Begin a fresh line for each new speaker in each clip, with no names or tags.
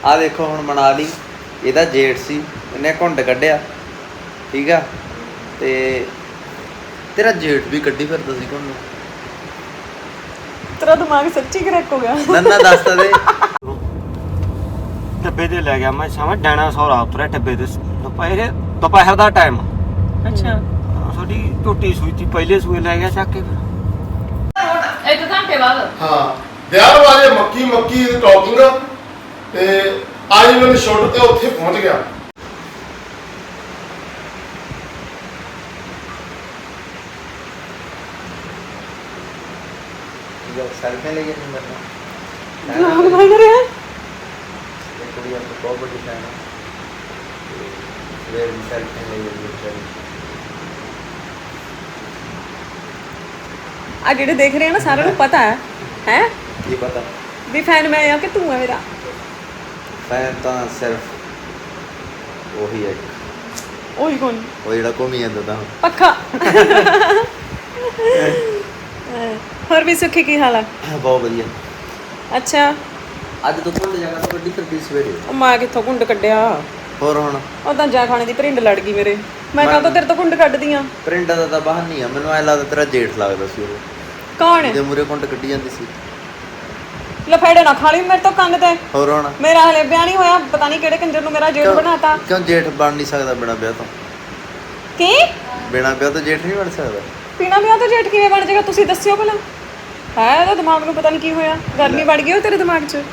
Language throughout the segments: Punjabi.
ਆ ਦੇਖੋ ਹੁਣ ਮਨਾ ਲਈ, ਇਹਦਾ ਜੇਠ ਸੀ, ਇਹਨੇ ਘੁੰਡ ਕੱਢਿਆ, ਠੀਕ ਆ। ਤੇ ਤੇਰਾ ਜੇਠ ਵੀ ਕੱਢੀ ਫਿਰਦਾ ਸੀ ਘੁੰਡ।
ਤੇਰਾ ਦਿਮਾਗ ਸੱਚੀ ਕਰੈਕ ਹੋ ਗਿਆ।
ਨੰਨਾ ਦੱਸ ਤਾਂ ਦੇ।
ਡੱਬੇ ਤੇ ਲੈ ਗਿਆ ਮੈਂ ਸਮਝ ਡਾਇਨਾਸੌਰ ਆ ਉਤਰਿਆ ਡੱਬੇ ਤੇ ਦੁਪਹਿਰ ਦਾ ਟਾਈਮ।
ਅੱਛਾ
ਸਾਡੀ ਝੋਟੀ ਸੂਈ ਤੀ, ਪਹਿਲੇ ਸੂਏ ਲੈ ਗਿਆ ਚੱਕ ਕੇ।
ਇੱਕ ਘੰਟੇ ਬਾਅਦ
ਹਾਂ ਵਿਆਹ ਵਾਲੇ ਮੱਕੀ ਦੀ ਟਾਕਿੰਗ ਤੇ ਅੱਜ ਮੈਨੂੰ ਛੁੱਟ ਤੇ ਉੱਥੇ ਪਹੁੰਚ ਗਿਆ।
सेल्फी लेके नहीं मरना
ब्लॉग बन रहा है।
एक कुड़ी आपको बहुत बड़ी फैन है, ये सेल्फी लेके
आ जेडे देख रहे हैं ना सारे को पता है
ये पता
भी फैन मैं या कि तू है मेरा
फैन तो सिर्फ वही है,
ओही कौन
वो जेड़ा घूमी जांदा ता
पक्का। ਹੋਰ ਵੀ ਸੁੱਖੀ ਕੀ ਹਾਲ ਆ?
बहुत वधिया।
ਅੱਛਾ
ਅੱਜ ਤੋਂ ਘੁੰਡ ਜਾਣਾ ਤਾਂ ਵੱਡੀ ਫਿਰਦੀ ਸਵੇਰੇ।
ਉਹ ਮਾਂ ਕਿੱਥੋਂ ਘੁੰਡ ਕੱਢਿਆ?
ਹੋਰ ਹੁਣ
ਉਹ ਤਾਂ ਜਾ ਖਾਣੇ ਦੀ ਭਰਿੰਡ ਲੜ ਗਈ ਮੇਰੇ। ਮੈਂ ਕਹਾਂ ਤਾਂ ਤੇਰੇ ਤੋਂ ਘੁੰਡ ਕੱਢਦੀ ਆ।
ਪ੍ਰਿੰਟਾਂ ਦਾ ਤਾਂ ਬਾਹਰ ਨਹੀਂ ਆ, ਮੈਨੂੰ ਐ ਲੱਗਦਾ ਤੇਰਾ ਜੇਠ ਲੱਗਦਾ ਸੀ ਉਹ,
ਕੌਣ ਹੈ?
ਜਿਹਦੇ ਮੂਰੇ ਘੁੰਡ ਕੱਢੀ ਜਾਂਦੀ ਸੀ।
ਲਫੇੜੇ ਨਾ ਖਾ ਲਈ ਮੇਰੇ ਤੋਂ ਕੰਨ ਤੇ।
ਹੋਰ ਹੁਣ
ਮੇਰਾ ਹਲੇ ਵਿਆਹ ਨਹੀਂ ਹੋਇਆ, ਪਤਾ ਨਹੀਂ ਕਿਹੜੇ ਕੰਜਰ ਨੂੰ ਮੇਰਾ ਜੇਠ ਬਣਾਤਾ।
ਕਿਉਂ ਜੇਠ ਬਣ ਨਹੀਂ ਸਕਦਾ ਬਿਨਾਂ ਵਿਆਹ ਤੋਂ?
ਕੀ
ਬਿਨਾਂ ਵਿਆਹ ਤੋਂ ਜੇਠ ਨਹੀਂ ਬਣ ਸਕਦਾ?
ਬਿਨਾਂ ਵਿਆਹ ਤੋਂ ਜੇਠ ਕਿਵੇਂ ਬਣ ਜਾਏਗਾ? ਤੁਸੀਂ ਦੱਸਿਓ ਭਲਾ। ਹੈ ਇਹਦਾ ਦਿਮਾਗ ਨੂੰ ਪਤਾ ਨਹੀਂ ਕੀ ਹੋਇਆ, ਗਰਮੀ ਵੜ ਗਈ ਉਹ ਤੇਰੇ ਦਿਮਾਗ 'ਚ।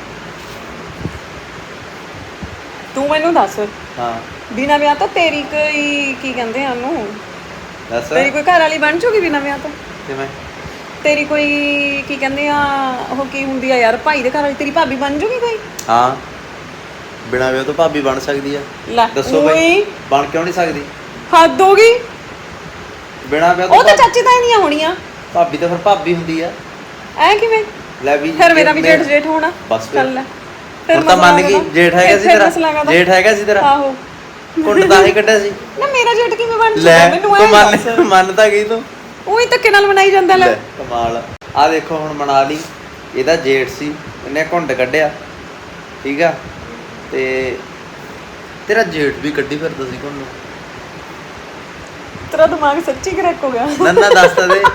ਤੂੰ ਮੈਨੂੰ ਦੱਸ,
ਹਾਂ
ਬਿਨਾਂ ਵਿਆਹ ਤੋਂ ਤੇਰੀ ਕੋਈ ਕੀ ਕਹਿੰਦੇ ਆ ਉਹਨੂੰ,
ਦੱਸ
ਤੇਰੀ ਕੋਈ ਘਰ ਵਾਲੀ ਬਣ ਜੂਗੀ ਬਿਨਾਂ ਵਿਆਹ ਤੋਂ?
ਕਿਵੇਂ?
ਤੇਰੀ ਕੋਈ ਕੀ ਕਹਿੰਦੇ ਆ ਉਹ ਕੀ ਹੁੰਦੀ ਆ ਯਾਰ, ਭਾਈ ਦੇ ਘਰ ਵਾਲੀ ਤੇਰੀ ਭਾਬੀ ਬਣ ਜੂਗੀ ਕੋਈ?
ਹਾਂ ਬਿਨਾਂ ਵਿਆਹ ਤੋਂ ਭਾਬੀ ਬਣ ਸਕਦੀ ਆ।
ਲੈ
ਦੱਸੋ ਬਈ ਬਣ ਕਿਉਂ ਨਹੀਂ ਸਕਦੀ?
ਹੱਦ ਹੋ ਗਈ।
ਬਿਨਾਂ ਵਿਆਹ
ਉਹ ਤਾਂ
ਤੋਂ
ਚਾਚੀ ਤਾਈ ਦੀਆਂ ਹੋਣੀਆਂ।
ਭਾਬੀ ਤਾਂ ਫਿਰ ਭਾਬੀ ਹੁੰਦੀ ਆ।
ਐ ਕਿਵੇਂ?
ਲੈ ਵੀ
ਫਿਰ ਮੇਰਾ ਵੀ ਜੇਠ ਹੋਣਾ।
ਬਸ ਫਿਰ।
ਚੱਲ ਲੈ
ਹੁਣ ਤਾਂ ਮੰਨ ਗਈ ਜੇਠ ਹੈਗਾ ਸੀ ਤੇਰਾ, ਜੇਠ ਹੈਗਾ ਸੀ ਤੇਰਾ।
ਆਹੋ
ਘੁੰਡ ਤਾਂ ਹੀ ਕੱਢਿਆ ਸੀ।
ਨਾ ਮੇਰਾ ਜੇਠ ਕਿਵੇਂ ਬਣ
ਲੈ
ਜੂਗਾ ਮੈਨੂੰ
ਤੂੰ
ਐ
ਮੰਨ ਤਾਂ ਗਈ ਤੂੰ।
ਉਹੀ ਧੱਕੇ ਨਾਲ ਬਣਾਈ ਜਾਂਦਾ। ਲੈ
ਕਮਾਲ। ਆ ਦੇਖੋ ਹੁਣ ਮਨਾ ਲਈ, ਇਹਦਾ ਜੇਠ ਸੀ, ਇਹਨੇ ਘੁੰਡ ਕੱਢਿਆ, ਠੀਕ ਆ। ਤੇ ਤੇਰਾ ਜੇਠ ਵੀ ਕੱਢੀ ਫਿਰਦਾ ਸੀ ਘੁੰਡ।
ਤੇਰਾ ਦਿਮਾਗ ਸੱਚੀ ਕਰੈਕ ਹੋ ਗਿਆ।
ਨੰਨਾ ਦੱਸ ਤਾਂ ਦੇ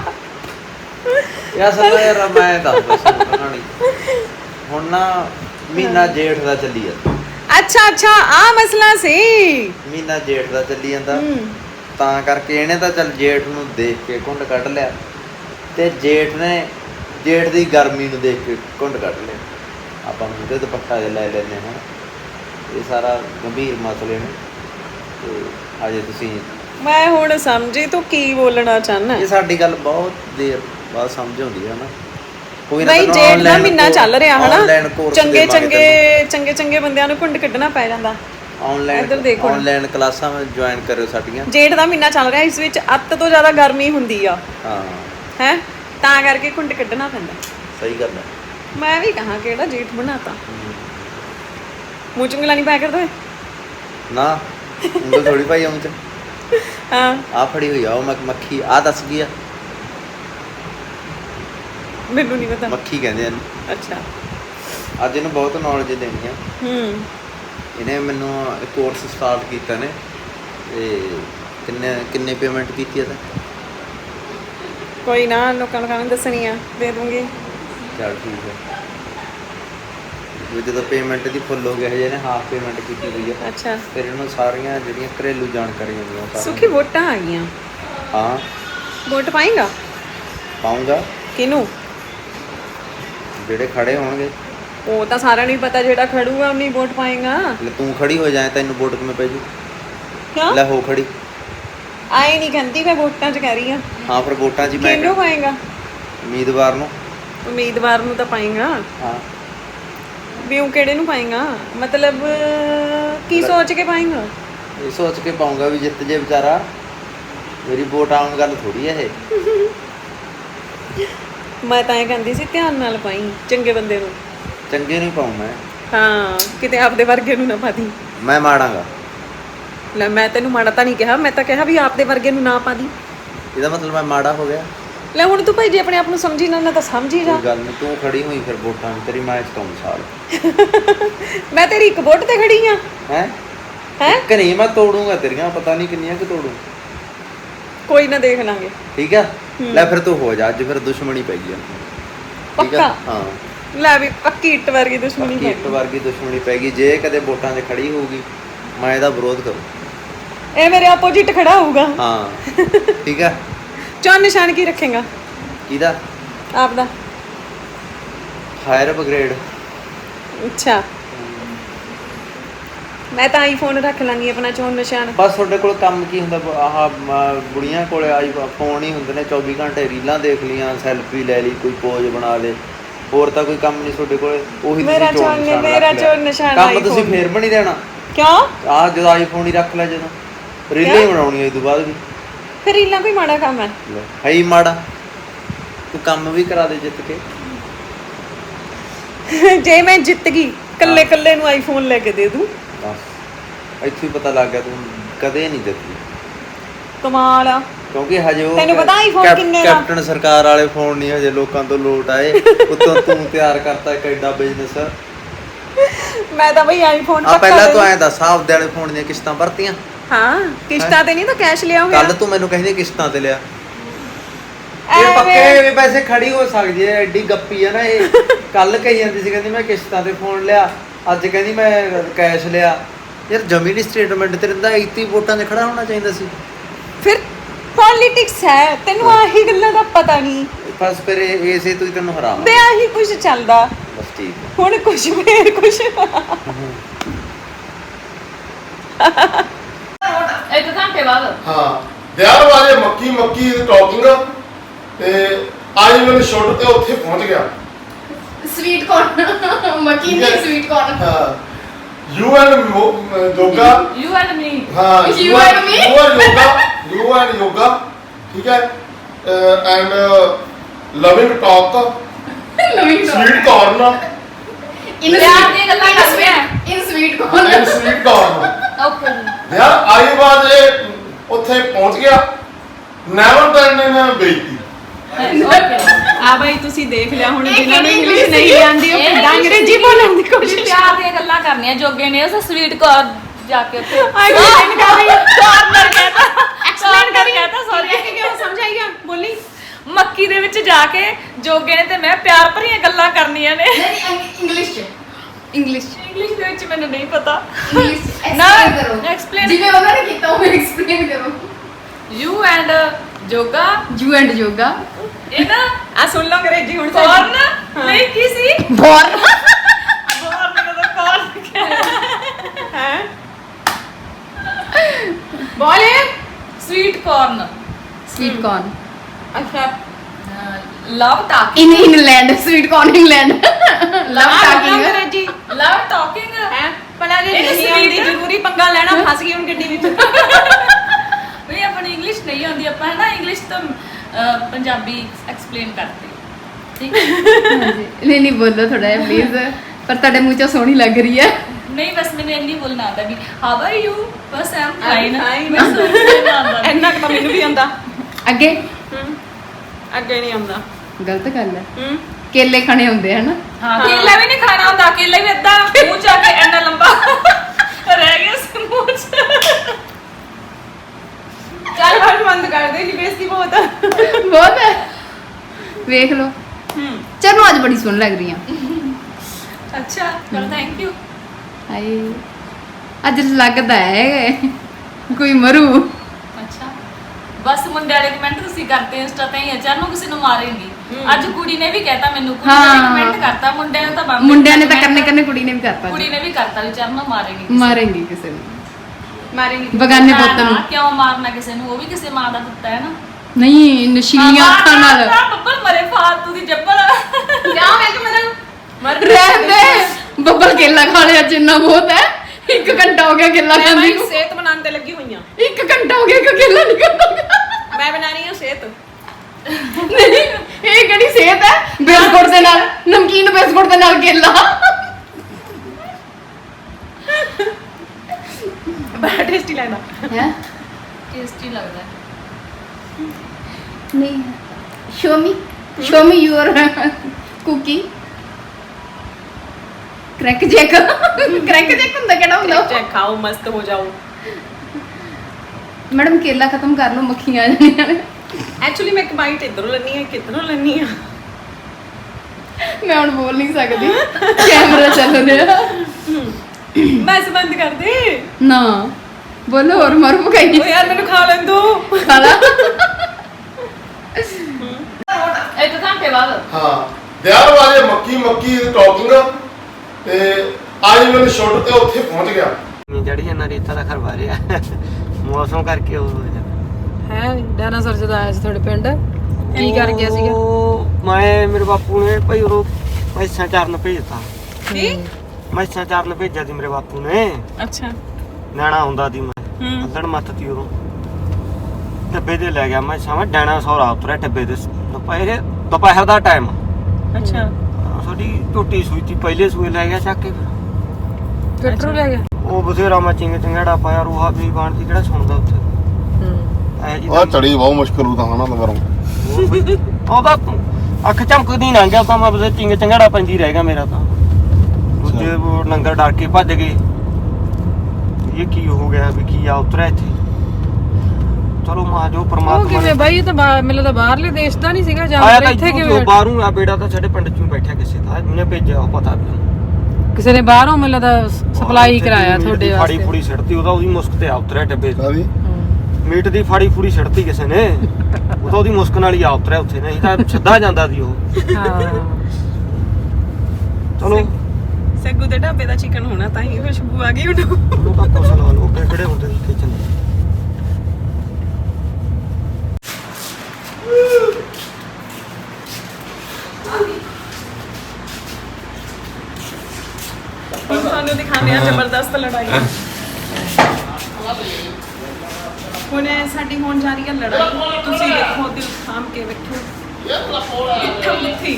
ਯਾਰ। ਸਭ ਯਾਰ ਮੈਂ ਦੱਸਦਾ ਸੀ ਕਹਾਣੀ। ਹੁਣ ਨਾ ਮਹੀਨਾ ਜੇਠ ਦਾ ਚੱਲੀ ਜਾਂਦਾ।
ਅੱਛਾ ਆ ਮਸਲਾ ਸੀ।
ਮਹੀਨਾ ਜੇਠ ਦਾ ਚੱਲੀ ਜਾਂਦਾ, ਤਾਂ ਕਰਕੇ ਇਹਨੇ ਤਾਂ ਚੱਲ ਜੇਠ ਨੂੰ ਦੇਖ ਕੇ ਘੁੰਡ ਕੱਢ ਲਿਆ, ਤੇ ਜੇਠ ਨੇ ਜੇਠ ਦੀ ਗਰਮੀ ਨੂੰ ਦੇਖ ਕੇ ਘੁੰਡ ਕੱਢ ਲਿਆ। ਆਪਾਂ ਨੂੰ ਤੇ ਦੁਪੱਟਾ ਜਿਹਾ ਲੈ ਲੈਂਦੇ ਹਾਂ। ਇਹ ਸਾਰਾ ਗੰਭੀਰ ਮਸਲੇ ਨੇ, ਤੇ ਅਜੇ ਤੁਸੀਂ
ਮੈਂ ਹੁਣ ਸਮਝੀ ਤੂੰ ਕੀ ਬੋਲਣਾ ਚਾਹਨਾ।
ਇਹ ਸਾਡੀ ਗੱਲ ਬਹੁਤ ਦੇਰ ਬਾਅਦ ਸਮਝ ਆਉਂਦੀ ਹੈ ਨਾ। ਕੋਈ
ਬਈ ਜੇਠ ਦਾ ਮਹੀਨਾ ਚੱਲ ਰਿਹਾ ਹਨਾ, ਚੰਗੇ
ਚੰਗੇ
ਬੰਦਿਆਂ ਨੂੰ ਘੁੰਡ ਕੱਢਣਾ ਪੈ ਜਾਂਦਾ। ਇੱਧਰ ਦੇਖੋ,
ਆਨਲਾਈਨ ਕਲਾਸਾਂ ਵਿੱਚ ਜੁਆਇਨ ਕਰਿਓ ਸਾਡੀਆਂ।
ਜੇਠ ਦਾ ਮਹੀਨਾ ਚੱਲ ਰਿਹਾ, ਇਸ ਵਿੱਚ ਅੱਤ ਤੋਂ ਜ਼ਿਆਦਾ ਗਰਮੀ ਹੁੰਦੀ ਆ।
ਹਾਂ
ਹੈ ਤਾਂ ਕਰਕੇ ਘੁੰਡ ਕੱਢਣਾ ਪੈਂਦਾ।
ਸਹੀ ਗੱਲ ਹੈ।
ਮੈਂ ਵੀ ਕਹਾਂ ਕਿਹੜਾ ਜੇਠ ਬਣਾਤਾ। ਮੂੰਹ ਚ ਉਂਗਲਾਂ ਨਹੀਂ ਪਾਇਆ ਕਰਦੇ
ਨਾ, ਉਂਗਲ ਥੋੜੀ ਪਾਈ ਮੂੰਹ ਚ।
ਹਾਂ
ਆ ਫੜੀ ਹੋਈ ਆ ਉਹ ਮੱਖੀ। ਆ ਦੱਸ ਗਈ ਆ,
ਮੈਨੂੰ ਨਹੀਂ ਪਤਾ।
ਮੱਖੀ ਕਹਿੰਦੇ ਇਹਨੂੰ।
ਅੱਛਾ
ਅੱਜ ਇਹਨੂੰ ਬਹੁਤ ਨੌਲੇਜ ਦੇਣੀ ਆ। ਇਹਨੇ ਮੈਨੂੰ ਇੱਕ ਕੋਰਸ ਸਟਾਰਟ ਕੀਤਾ ਨੇ, ਤੇ ਕਿੰਨੇ ਪੇਮੈਂਟ ਕੀਤੀ ਹੈ? ਤਾਂ
ਕੋਈ ਨਾ, ਲੋਕਾਂ ਨੂੰ ਦੱਸਣੀ ਆ, ਦੇ ਦੂੰਗੀ।
ਚੱਲ ਠੀਕ ਹੈ। ਜਦੋਂ ਪੇਮੈਂਟ ਦੀ ਫੁੱਲ ਹੋ ਗਿਆ ਹੈ, ਇਹਨੇ ਹਾਫ ਪੇਮੈਂਟ ਕੀਤੀ ਹੋਈ ਹੈ।
ਅੱਛਾ
ਫਿਰ ਇਹਨੂੰ ਸਾਰੀਆਂ ਜਿਹੜੀਆਂ ਘਰੇਲੂ ਜਾਣਕਾਰੀਆਂ ਹੁੰਦੀਆਂ
ਸੁਖੀ ਵੋਟਾਂ ਆ ਗਈਆਂ।
ਹਾਂ
ਵੋਟ ਪਾਏਗਾ?
ਪਾਉਂਗਾ।
ਕਿਹਨੂੰ?
ਜਿਹੜੇ ਖੜੇ ਹੋਣਗੇ।
ਉਹ ਤਾਂ ਸਾਰਿਆਂ ਨੂੰ ਹੀ ਪਤਾ, ਜਿਹੜਾ ਖੜੂਗਾ ਉਹਨੀ ਵੋਟ ਪਾਏਗਾ।
ਲੈ ਤੂੰ ਖੜੀ ਹੋ ਜਾਏ, ਤੈਨੂੰ ਵੋਟ ਕਿਵੇਂ ਪੈ ਜੂ?
ਕਿਉਂ?
ਲੈ ਹੋ ਖੜੀ।
ਆਏ ਨਹੀਂ ਕਹਿੰਦੀ, ਮੈਂ ਵੋਟਾਂ 'ਚ ਕਹਿ ਰਹੀ ਆ।
ਹਾਂ ਫਿਰ ਵੋਟਾਂ 'ਚ ਹੀ ਮੈਂ
ਕਿਹਨੂੰ ਪਾਏਗਾ?
ਉਮੀਦਵਾਰ ਨੂੰ।
ਉਮੀਦਵਾਰ ਨੂੰ ਤਾਂ ਪਾਏਗਾ।
ਹਾਂ
ਵੀ ਉਹ ਕਿਹੜੇ ਨੂੰ ਪਾਏਗਾ? ਮਤਲਬ ਕੀ ਸੋਚ ਕੇ ਪਾਏਗਾ?
ਇਹ ਸੋਚ ਕੇ ਪਾਉਂਗਾ ਵੀ ਜਿੱਤ ਜੇ ਵਿਚਾਰਾ। ਮੇਰੀ ਵੋਟ ਆਉਣ ਗੱਲ ਥੋੜੀ ਹੈ ਇਹ।
ਮੈਂ ਤਾਂ ਇਹ ਕਹਿੰਦੀ ਸੀ ਧਿਆਨ ਨਾਲ ਪਾਈ, ਚੰਗੇ ਬੰਦੇ ਨੂੰ।
ਚੰਗੇ ਨਹੀਂ ਪਾਉਂ ਮੈਂ।
ਹਾਂ ਕਿਤੇ ਆਪਦੇ ਵਰਗੇ ਨੂੰ ਨਾ ਪਾ ਦੀ।
ਮੈਂ ਮਾੜਾਂਗਾ।
ਲੈ ਮੈਂ ਤੈਨੂੰ ਮਾੜਾ ਤਾਂ ਨਹੀਂ ਕਿਹਾ, ਮੈਂ ਤਾਂ ਕਿਹਾ ਵੀ ਆਪਦੇ ਵਰਗੇ ਨੂੰ ਨਾ ਪਾ ਦੀ।
ਇਹਦਾ ਮਤਲਬ ਮੈਂ ਮਾੜਾ ਹੋ ਗਿਆ?
ਲੈ ਹੁਣ ਤੂੰ ਭਾਈ ਜੇ ਆਪਣੇ ਆਪ ਨੂੰ ਸਮਝੀ ਨਾ ਤਾਂ ਸਮਝੀ ਜਾ।
ਕੋਈ ਗੱਲ ਨਹੀਂ, ਤੂੰ ਖੜੀ ਹੋਈ ਫਿਰ ਵੋਟਾਂ ਨੂੰ, ਤੇਰੀ ਮੈਂ ਚਕਾਉਂ ਸਾਲ।
ਮੈਂ ਤੇਰੀ ਇੱਕ ਵੋਟ ਤੇ ਖੜੀ ਆ
ਹੈ
ਹੈ।
ਇੱਕ ਨਹੀਂ, ਮੈਂ ਤੋੜੂੰਗਾ ਤੇਰੀਆਂ, ਪਤਾ ਨਹੀਂ ਕਿੰਨੀਆਂ ਕਿ ਤੋੜੂ।
ਕੋਈ ਨਾ ਦੇਖ ਲਾਂਗੇ।
ਠੀਕ ਆ, ਲੈ ਫਿਰ ਤੂੰ ਹੋ ਜਾ, ਅੱਜ ਫਿਰ ਦੁਸ਼ਮਣੀ ਪੈ ਗਈ ਆ। ਠੀਕ ਆ,
ਪੱਕਾ?
ਹਾਂ
ਲੈ ਵੀ ਪੱਕੀ ਇੱਟ ਵਰਗੀ ਦੁਸ਼ਮਣੀ
ਪੱਕੀ
ਹੈ।
ਇੱਟ ਵਰਗੀ ਦੁਸ਼ਮਣੀ ਪੈ ਗਈ। ਜੇ ਕਦੇ ਵੋਟਾਂ 'ਚ ਖੜੀ ਹੋਊਗੀ ਮੈਂ ਇਹਦਾ ਵਿਰੋਧ ਕਰੂੰ।
ਇਹ ਮੇਰੇ ਆਪੋਜੀਟ ਖੜਾ ਹੋਊਗਾ।
ਹਾਂ ਠੀਕ ਆ।
ਚੌਨ ਨਿਸ਼ਾਨ ਕੀ ਰੱਖੇਗਾ
ਕਿਹਦਾ?
ਆਪ ਦਾ?
Fire brigade.
ਅੱਛਾ, ਮੈਂ ਤਾਂ ਆਈਫੋਨ ਰੱਖ ਲਾਂਗੀ ਆਪਣਾ ਚੌਨ ਨਿਸ਼ਾਨ।
ਬਸ ਤੁਹਾਡੇ ਕੋਲ ਕੰਮ ਕੀ ਹੁੰਦਾ? ਆਹ ਬੁੜੀਆਂ ਕੋਲੇ ਆਈ ਫੋਨ ਹੀ ਹੁੰਦੇ ਨੇ 24 ਘੰਟੇ, ਰੀਲਾਂ ਦੇਖ ਲੀਆਂ, ਸੈਲਫੀ ਲੈ ਲਈ, ਕੋਈ ਪੋਜ਼ ਬਣਾ ਦੇ, ਹੋਰ ਤਾਂ ਕੋਈ ਕੰਮ ਨਹੀਂ ਤੁਹਾਡੇ ਕੋਲੇ। ਉਹੀ
ਮੇਰਾ ਚੌਨ ਨਿਸ਼ਾਨ
ਕੰਮ ਤੁਸੀਂ ਫੇਰ ਵੀ ਨਹੀਂ ਦੇਣਾ।
ਕਿਉਂ?
ਆਹ ਜਦੋਂ ਆਈਫੋਨ ਹੀ ਰੱਖ ਲੈ, ਜਦੋਂ ਰੀਲਾਂ ਹੀ ਬਣਾਉਣੀ ਹੈ, ਇਸ ਤੋਂ ਬਾਅਦ ਵੀ
ਫਿਰ ਰੀਲਾਂ ਕੋਈ ਮਾੜਾ ਕੰਮ ਹੈ?
ਹੈ ਹੀ ਮਾੜਾ। ਤੂੰ ਕੰਮ ਵੀ ਕਰਾ ਦੇ ਜਿੱਤ ਕੇ।
ਜੇ ਮੈਂ ਜਿੱਤ ਗਈ ਕੱਲੇ ਕੱਲੇ ਨੂੰ ਆਈਫੋਨ ਲੈ ਕੇ ਦੇ ਦੂੰ।
ਬਸ ਇੱਥੇ ਹੀ ਪਤਾ ਲੱਗ ਗਿਆ ਤੂੰ ਕਦੇ ਨਹੀਂ ਦਿੱਤੀ।
ਕਮਾਲ ਆ।
ਕਿਉਂਕਿ ਹਜੇ ਉਹ
ਤੈਨੂੰ ਪਤਾ iPhone ਕਿੰਨੇ ਦਾ?
ਕੈਪਟਨ ਸਰਕਾਰ ਵਾਲੇ ਫੋਨ ਨਹੀਂ ਹਜੇ ਲੋਕਾਂ ਤੋਂ ਲੋਟ ਆਏ। ਉੱਤੋਂ ਤੂੰ ਤਿਆਰ ਕਰਤਾ ਇੱਕ ਐਡਾ ਬਿਜ਼ਨਸ।
ਮੈਂ ਤਾਂ ਬਈ ਆਈਫੋਨ
ਆ ਪਹਿਲਾਂ ਤੂੰ ਐਂ ਦੱਸ, ਆਪਦੇ ਵਾਲੇ ਫੋਨ ਦੀਆਂ ਕਿਸ਼ਤਾਂ ਭਰਤੀਆਂ?
ਹਾਂ, ਕਿਸ਼ਤਾਂ ਤੇ ਨਹੀਂ ਤਾਂ ਕੈਸ਼ ਲਿਆ ਹੋਇਆ।
ਕੱਲ ਤੂੰ ਮੈਨੂੰ ਕਹਿੰਦੀ ਕਿਸ਼ਤਾਂ ਤੇ ਲਿਆ। ਇਹ
ਐਵੇਂ।
ਪੱਕੇ ਵੀ ਪੈਸੇ ਖੜੀ ਹੋ ਸਕਦੀ ਹੈ, ਐਡੀ ਗੱਪੀ ਆ ਨਾ ਇਹ। ਕੱਲ ਕਹੀ ਜਾਂਦੀ ਸੀ ਕਹਿੰਦੀ ਮੈਂ ਕਿਸ਼ਤਾਂ ਤੇ ਫੋਨ ਲਿਆ, ਅੱਜ ਕਹਿੰਦੀ ਮੈਂ ਕੈਸ਼ ਲਿਆ। ਯਾਰ ਜਮੀ ਨਹੀਂ ਸਟੇਟਮੈਂਟ ਤੇਰੇ ਦਾ, ਇੱਥੇ ਵੋਟਾਂ 'ਚ ਖੜਾ ਹੋਣਾ ਚਾਹੀਦਾ ਸੀ।
ਫਿਰ ਪੋਲਿਟਿਕਸ ਹੈ, ਤੈਨੂੰ ਆਹੀ ਗੱਲਾਂ ਦਾ ਪਤਾ ਨਹੀਂ।
ਬਸ ਫਿਰ ਇਸੇ ਤੋਂ ਹੀ ਤੈਨੂੰ ਹਰਾਵਾਂ।
ਬੇ ਆਹੀ ਕੁਝ ਚੱਲਦਾ
ਬਸ ਠੀਕ ਹੈ।
ਹੁਣ, ਕੁਝ ਫੇਰ ਕੁਝ।
ਇੱਕ ਘੰਟੇ ਬਾਅਦ
ਹਾਂ ਦਿਆਲ ਵਾਲੇ ਮੱਕੀ ਮੱਕੀ ਦੀ ਟਾਕਿੰਗ, ਤੇ ਅੱਜ ਮੈਨੂੰ ਛੁੱਟ ਤੇ ਉੱਥੇ ਪਹੁੰਚ ਗਿਆ।
ਸਵੀਟ ਕੋਰਨ ਮੱਕੀ ਦੀ ਸਵੀਟ ਕੋਰਨ।
ਹਾਂ you and yoga.
You and me.
ਹਾਂ
You and me?
You and yoga. ਠੀਕ ਹੈ, ਐਂਡ ਲਵਿੰਗ ਟਾਕ,
ਨਵੀਂ
ਸਵੀਟ ਕਾਰਨ,
ਪਿਆਰ ਦੀਆਂ ਗੱਲਾਂ ਕਰਦੇ ਆ in sweet corn.
And sweet corn.
Okay
ਯਾਰ ਆਈ ਬਾਅਦ ਇਹ ਉੱਥੇ ਪਹੁੰਚ ਗਿਆ। ਨੈਵਰ ਟਰਨ ਨੇ ਬੇਇੱਜ਼ਤੀ।
ਆ ਬਈ ਤੁਸੀਂ ਦੇਖ ਲਿਆ ਹੁਣ,
ਇਹ
ਜਿਨ੍ਹਾਂ ਨੂੰ
ਕਿਹੜੀ
ਇੰਗਲਿਸ਼ ਨਹੀਂ
ਸੀ?
ਆਉਂਦੀ ਉਹ
ਇਹ
ਕਿੱਦਾਂ ਅੰਗਰੇਜ਼ੀ ਬੋਲਣ ਦੀ ਕੋਸ਼ਿਸ਼।
ਪਿਆਰ ਦੀਆਂ ਗੱਲਾਂ ਕਰਨੀਆਂ ਜੋਗੇ ਨੇ ਉਸ ਸਵੀਟ ਕੋਰਨ ਜਾ ਕੇ ਉੱਥੇ
ਐਕਸਪਲੇਨ ਕਰ ਰਹੀ
ਕਾਰਨਰ ਕਹਿੰਦਾ
ਐਕਸਪਲੇਨ ਕਰੀ
ਕਹਿੰਦਾ ਸੌਰੀ
ਕਿਉਂ ਸਮਝ ਆਈ ਆ? ਬੋਲੀ।
ਮੱਕੀ ਦੇ ਵਿੱਚ ਜਾ ਕੇ ਜੋਗੇ ਨੇ ਤੇ ਮੈਂ ਪਿਆਰ ਭਰੀਆਂ ਗੱਲਾਂ ਕਰਨੀਆਂ ਨੇ।
ਨਹੀਂ ਇੰਗਲਿਸ਼ ਚ ਇੰਗਲਿਸ਼
ਇੰਗਲਿਸ਼ ਦੇ ਵਿੱਚ ਮੈਨੂੰ ਨਹੀਂ ਪਤਾ।
ਇੰਗਲਿਸ਼
ਨਾ
ਐਕਸਪਲੇਨ ਕਰੋ
ਐਕਸਪਲੇਨ
ਜਿਵੇਂ ਉਹਨਾਂ ਨੇ ਕੀਤਾ ਉਹ ਐਕਸਪਲੇਨ ਕਰੋ।
You and yoga
you and yoga
ਇਹ ਨਾ
ਆ ਸੁਣ ਲਓ ਅੰਗਰੇਜ਼ੀ ਹੁਣ।
ਕੋਰਨ ਨਹੀਂ ਕੀ ਸੀ
ਬੋਰ
ਕੋਰਨ ਦਾ ਕੋਰਨ ਕਿਹਾ
ਹੈ ਬੋਲੇ।
ਸਵੀਟ ਕੋਰਨ
ਸਵੀਟ ਕੌਰਨ
ਅੱਛਾ,
love talking
in England sweet corn England love talking
ਅੰਗਰੇਜ਼ੀ
ਲਵ ਟਾਕਿੰਗ
ਹੈ ਭਲਾ ਜੇ
ਇਹ
ਨਹੀਂ
sweet
ਆਉਂਦੀ
ਆ।
ਜ਼ਰੂਰੀ ਪੰਗਾ ਲੈਣਾ, ਫਸ ਗਈ ਹੁਣ ਗੱਡੀ ਵਿੱਚ।
ਨਹੀਂ ਆਪਣੀ ਇੰਗਲਿਸ਼ ਨਹੀਂ ਆਉਂਦੀ, ਆਪਾਂ ਹੈ ਨਾ ਇੰਗਲਿਸ਼ ਤੋਂ ਪੰਜਾਬੀ ਐਕਸਪਲੇਨ ਕਰਦੇ ਠੀਕ ਹੈ।
ਨਹੀਂ ਨਹੀਂ ਬੋਲੋ ਥੋੜਾ ਜਿਹਾ ਪਲੀਜ਼, ਪਰ ਤੁਹਾਡੇ ਮੂੰਹ ਚੋਂ ਸੋਹਣੀ ਲੱਗ ਰਹੀ ਹੈ।
ਨਹੀਂ ਬਸ ਮੈਨੂੰ ਇੰਨੀ ਬੋਲਣਾ ਆਉਂਦਾ ਵੀ ਹਾਊ ਆਰ ਯੂ ਬਸ ਆਮ ਫਾਈਨ
fine.
ਬਸ ਬੋਲਣਾ ਆਉਂਦਾ
ਇੰਨਾ ਕੁ ਤਾਂ ਮੈਨੂੰ ਵੀ ਆਉਂਦਾ।
ਅੱਗੇ
ਅੱਗੇ ਨਹੀਂ ਆਉਂਦਾ।
ਗਲਤ ਗੱਲ ਹੈ, ਕੇਲੇ ਖਾਣੇ ਹੁੰਦੇ ਹਨ।
ਹਾਂ ਕੇਲਾ ਵੀ ਨਹੀਂ ਖਾਣਾ ਹੁੰਦਾ, ਕੇਲਾ ਵੀ ਅੱਧਾ ਮੂੰਹ ਚ ਆ ਕੇ ਇੰਨਾ ਲੰਬਾ ਰਹਿ ਗਿਆ ਸੀ ਮੂੰਹ ਚ।
ਚੱਲ ਹਰ ਬੰਦ ਕਰ ਦੇ, ਨਹੀਂ ਬੇਇੱਜ਼ਤੀ ਬਹੁਤ ਆ।
ਬਹੁਤ ਹੈ, ਵੇਖ ਲਓ। ਚਲੋ ਅੱਜ ਬੜੀ ਸੋਹਣੀ ਲੱਗ ਰਹੀ ਆ।
ਅੱਛਾ ਚਲ ਥੈਂਕ ਯੂ।
ਹਾਏ ਅੱਜ ਲੱਗਦਾ ਹੈ ਕੋਈ ਮਰੂ।
ਅੱਛਾ ਬਸ ਮੁੰਡੇ ਵਾਲੇ ਕਮੈਂਟ ਤੁਸੀਂ ਕਰਦੇ ਇੰਸਟਾ ਤੇ ਹੀ ਅਚਾਰ ਨੂੰ ਕਿਸੇ ਨੂੰ ਮਾਰੇਂਗੀ। ਅੱਜ ਕੁੜੀ ਨੇ ਵੀ ਕਹਿਤਾ ਮੈਨੂੰ, ਕੁੜੀ ਨੇ
ਹਾਂ।
ਕਮੈਂਟ ਕਰਤਾ, ਮੁੰਡਿਆਂ ਨੇ ਤਾਂ ਬੰਦ
ਮੁੰਡਿਆਂ ਨੇ ਤਾਂ ਕਰਨੇ ਕੁੜੀ ਨੇ ਵੀ ਕਰਤਾ
ਕੁੜੀ ਨੇ ਵੀ ਕਰਤਾ ਵੀ ਚਰਨ ਨੂੰ ਮਾਰੇਂਗੀ।
ਮਾਰੇਂਗੀ ਕਿਸੇ ਨੂੰ,
ਮਾਰੇਂਗੀ
ਬਗਾਨੇ
ਨਾ,
ਪੁੱਤ ਨੂੰ।
ਨਾ, ਕਿਉਂ ਮਾਰਨਾ ਕਿਸੇ ਨੂੰ, ਉਹ ਵੀ ਕਿਸੇ ਮਾਂ ਦਾ ਪੁੱਤ ਹੈ ਨਾ।
ਨਹੀਂ ਨਸ਼ੀਲੀਆਂ ਅੱਖਾਂ ਨਾਲ
ਬੱਬਲ ਮਰੇ ਫਾਲਤੂ ਦੀ ਜੱਬਲ
ਜਾ ਮੈਂ ਕਿ ਮਰ
ਰਹਿੰਦੇ ਬੱਬਲ ਕੇਲਾ ਖਾ ਲਿਆ ਜਿੰਨਾ ਬਹੁਤ ਹੈ। 1 ਘੰਟਾ ਹੋ ਗਿਆ ਕੇਲਾ
ਮੈਂ
ਖਾਂਦੀ
ਬਈ
ਨੂੰ।
ਸਿਹਤ ਬਣਾਉਣ ਤੇ ਲੱਗੀ ਹੋਈ ਆ।
1 ਘੰਟਾ ਹੋ ਗਿਆ ਕਿ ਕੇਲਾ ਨਹੀਂ ਖਾਂਦਾ।
ਮੈਂ ਬਣਾ ਰਹੀ ਹਾਂ ਸਿਹਤ।
ਨਹੀਂ ਇਹ ਕਿਹੜੀ ਸਿਹਤ ਹੈ? ਬਿਸਕੁਟ ਦੇ ਨਾਲ, ਨਮਕੀਨ ਬਿਸਕੁਟ ਦੇ ਨਾਲ ਕੇਲਾ।
ਬੜਾ ਟੇਸਟੀ ਲੱਗਦਾ
ਹੈ
ਟੇਸਟੀ ਲੱਗਦਾ
ਨਹੀਂ show me your cookie crack jack ਹੁੰਦਾ ਕਿਹੜਾ ਹੁੰਦਾ
ਚੈੱਕ ਖਾਓ ਮਸਤ ਹੋ ਜਾਓ।
ਮੈਡਮ ਕੇਲਾ ਖਤਮ ਕਰ ਲਓ ਮੱਖੀਆਂ ਆ ਜਾਣੀਆਂ ਨੇ।
ਐਕਚੁਅਲੀ ਮੈਂ ਇੱਕ ਬਾਈਟ ਇਧਰੋਂ ਲੈਣੀ ਹੈ ਕਿਧਰੋਂ ਲੈਣੀ ਆ।
ਮੈਂ ਹੁਣ ਬੋਲ ਨਹੀਂ ਸਕਦੀ ਕੈਮਰਾ ਚੱਲ ਰਿਹਾ।
ਬਸ ਬੰਦ ਕਰ ਦੇ
ਨਾ ਬੋਲੋ ਹੋਰ ਮਰ ਪਕਾਈ
ਓ ਯਾਰ ਮੈਨੂੰ ਖਾ ਲੈਣ ਦੋ।
ਖਾਲਾ
ਇੱਕ ਘੰਟੇ ਬਾਅਦ
ਹਾਂ ਵਿਆਹ ਵਾਲੇ ਮੱਕੀ ਦੀ ਟਾਕਿੰਗ ਤੇ ਅੱਜ ਮੈਨੂੰ ਛੁੱਟ ਤੇ ਉੱਥੇ ਪਹੁੰਚ ਗਿਆ।
ਜੜੀ ਜਾਂਦਾ ਰੇਤਾ ਦਾ ਖਰਵਾ ਰਿਹਾ ਮੌਸਮ ਕਰਕੇ ਉਹ
ਹੈ ਡਾਇਨਾਸੌਰ ਜਦੋਂ ਆਇਆ ਸੀ ਤੁਹਾਡੇ ਪਿੰਡ ਕੀ ਕਰ ਗਿਆ ਸੀਗਾ?
ਉਹ ਮੈਂ ਮੇਰੇ ਬਾਪੂ ਨੇ ਭਾਈ ਉਹ ਮੈਸਾਂ ਚਾਰਨ ਭੇਜਤਾ।
ਕੀ
ਮੈਸਾਂ ਚਾਰਨ ਭੇਜਿਆ ਸੀ ਮੇਰੇ ਬਾਪੂ ਨੇ।
ਅੱਛਾ
ਨਿਆਣਾ ਹੁੰਦਾ ਸੀ ਮੈਂ ਅੱਲੜ ਮੱਤ ਤੀ ਉਦੋਂ ਟੱਬੇ ਤੇ ਲੈ ਗਿਆ ਮੈਂ ਸਾਵੇਂ ਡਾਇਨਾਸੌਰ ਆ ਉਤਰਿਆ ਟੱਬੇ ਤੇ ਦੁਪਹਿਰ ਦਾ ਟਾਈਮ।
ਅੱਛਾ
ਸਾਡੀ ਝੋਟੀ ਸੂਈ ਤੀ ਪਹਿਲੇ ਸੂਏ ਲੈ ਗਿਆ ਚੱਕ ਕੇ
ਕਿੱਧਰੋਂ ਲੈ ਗਿਆ?
ਉਹ ਬਥੇਰਾ ਮੈਂ ਚੰਗੜਾ ਪਾਇਆ ਰੂਹਾ ਵੀ ਬਣਦੀ ਕਿਹੜਾ ਸੁਣਦਾ ਉੱਥੇ ਐ ਜੀ
ਆ ਚੜੀ ਬਹੁਤ ਮੁਸ਼ਕਲ ਹੁੰਦਾ ਹਨਾ ਲਵਰੋਂ।
ਉਹਦਾ ਅੱਖ ਝਮਕਦੀ ਲੰਘ ਗਿਆ ਤਾਂ ਮੈਂ ਬਸ ਚੰਗੜਾ ਪੰਜੀ ਰਹਿ ਗਿਆ ਮੇਰਾ ਤਾਂ। ਦੂਜੇ ਉਹ ਨੰਗਰ ਡਰ ਕੇ ਭੱਜ ਗਏ ਇਹ ਕੀ ਹੋ ਗਿਆ ਵੀ ਕੀ ਆ ਉਤਰਿਆ ਇੱਥੇ। ਚਲੋ ਮਾਂ ਜੋ
ਉਹ
ਪਰਮਾਤਮਾ
ਕਿਵੇਂ ਬਾਈ ਇਹ ਤਾਂ ਮੈਨੂੰ ਤਾਂ ਬਾਹਰਲੇ ਦੇਸ਼ ਦਾ ਨਹੀਂ ਸੀਗਾ ਜਾਂ
ਆਇਆ ਤਾਂ
ਇੱਥੇ
ਇੱਥੋਂ
ਕਿਵੇਂ
ਬਾਹਰੋਂ ਆ ਬੇੜਾ ਤਾਂ ਸਾਡੇ ਪਿੰਡ ਚੋਂ ਬੈਠਿਆ ਕਿਸੇ ਦਾ ਉਹਨੇ ਭੇਜਿਆ ਉਹ ਪਤਾ ਵੀ
ਕਿਸੇ ਨੇ ਬਾਹਰੋਂ ਮੈਨੂੰ ਤਾਂ ਸਪਲਾਈ ਕਰਾਇਆ ਤੁਹਾਡੇ
ਫਾੜੀ
ਵਾਸਤੇ।
ਫੂੜੀ ਸਿੱਟਤੀ ਉਹਦਾ ਉਹਦੀ ਮੁਸਕ ਤੇ ਆ ਉਤਰਿਆ ਟੱਬੇ
ਕਾਦੀ
ਮੀਟ ਦੀ ਫਾੜੀ ਫੂੜੀ ਸਿੱਟਤੀ ਕਿਸੇ ਨੇ ਉਹ ਤਾਂ ਉਹਦੀ ਮੁਸਕ ਨਾਲ ਹੀ ਆ ਉਤਰਿਆ ਉੱਥੇ ਨਹੀਂ ਤਾਂ ਸਿੱਧਾ ਜਾਂਦਾ ਸੀ ਉਹ।
ਹਾਂ
ਚਲੋ
ਸੱਗੂ ਦੇ ਢਾਬੇ ਦਾ ਚਿਕਨ ਹੋਣਾ ਤਾਂ ਹੀ ਖੁਸ਼ਬੂ ਆ ਗਈ ਉਹਨੂੰ।
ਉਹ ਤਾਂ ਕੋਸਾ ਲਾ ਲੋ ਕਿਹੜੇ ਹੁੰਦੇ ਸੀ ਕਿਚਨ ਦੇ।
ਹੁਣ ਤੁਹਾਨੂੰ ਦਿਖਾਉਂਦੇ ਆ ਜ਼ਬਰਦਸਤ ਲੜਾਈ। ਹੁਣ ਸਾਡੀ ਹੋਣ ਜਾ ਰਹੀ ਹੈ ਲੜਾਈ। ਤੁਸੀਂ ਦੇਖੋ ਦਿਲ ਥਾਮ ਕੇ ਵੇਖੋ ਕਿੱਥੋਂ ਕਿੱਥੇ।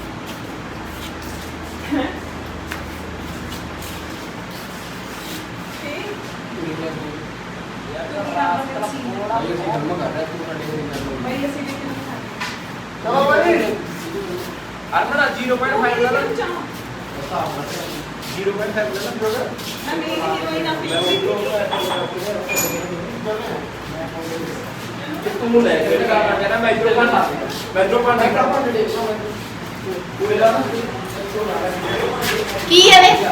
ਚਲੋ ਬਾਈ
ਅਰਮਣਾ 0.5 ਲੈ ਲੈ 0.5 ਲੈ ਲੈ
ਮੈਂ ਮੇਰੀ ਹੀਰੋਇਨ ਆਪਣੀ
ਤੂੰ ਲੈ ਕੇ ਕਹਿੰਦਾ ਮੈਟਰੋ ਪੰਡ ਪੂਰੇ ਦਾ
ਕੀ ਹੈ ਵੇ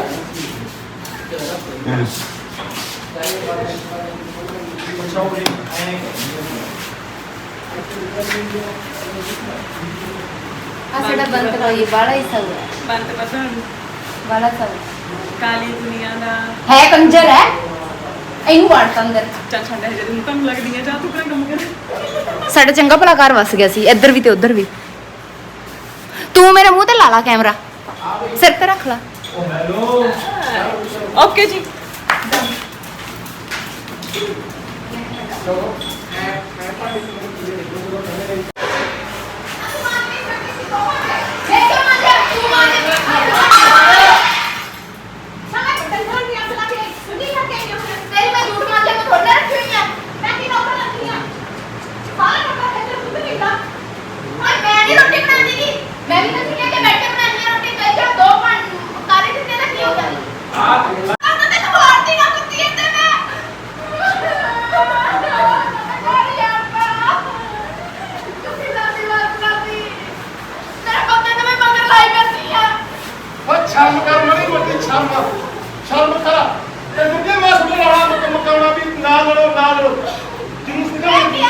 ਆ ਸਾਡਾ ਬੰਦ ਹੋਈ ਬਾਲਾ ਹੀ ਸਭ ਹੈ
ਬੰਦ ਪਤਾ
ਬਾਲਾ ਸਭ
ਕਾਲੀ ਦੁਨੀਆ ਦਾ
ਹੈ ਕੰਜਰ ਹੈ ਇਹਨੂੰ ਵਾੜਤਾ ਅੰਦਰ
ਚੱਲ ਛੱਡ ਜੇ ਤੂੰ ਤੁਹਾਨੂੰ ਲੱਗਦੀ ਹੈ ਜਾ ਤੂੰ ਆਪਣਾ ਕੰਮ ਕਰ।
ਸਾਡਾ ਚੰਗਾ ਭਲਾ ਘਰ ਵਸ ਗਿਆ ਸੀ ਇੱਧਰ ਵੀ ਤੇ ਉੱਧਰ ਵੀ। ਤੂੰ ਮੇਰੇ ਮੂੰਹ ਤੇ ਲਾ ਲਾ ਕੈਮਰਾ ਸਿਰ ਤੇ ਰੱਖ ਲਾ।
ਓਕੇ ਜੀ
ਸ਼ਰਮ ਕਰ ਮਣੀ ਮੋਟੀ ਸ਼ਰਮ ਕਰ ਤੇ ਦੂਜੇ ਮਾਸ ਬਣਾਉਣਾ ਮਕਾਉਣਾ ਵੀ ਨਾ ਲੜੋ ਜਨੂਸ ਨਿਕਲ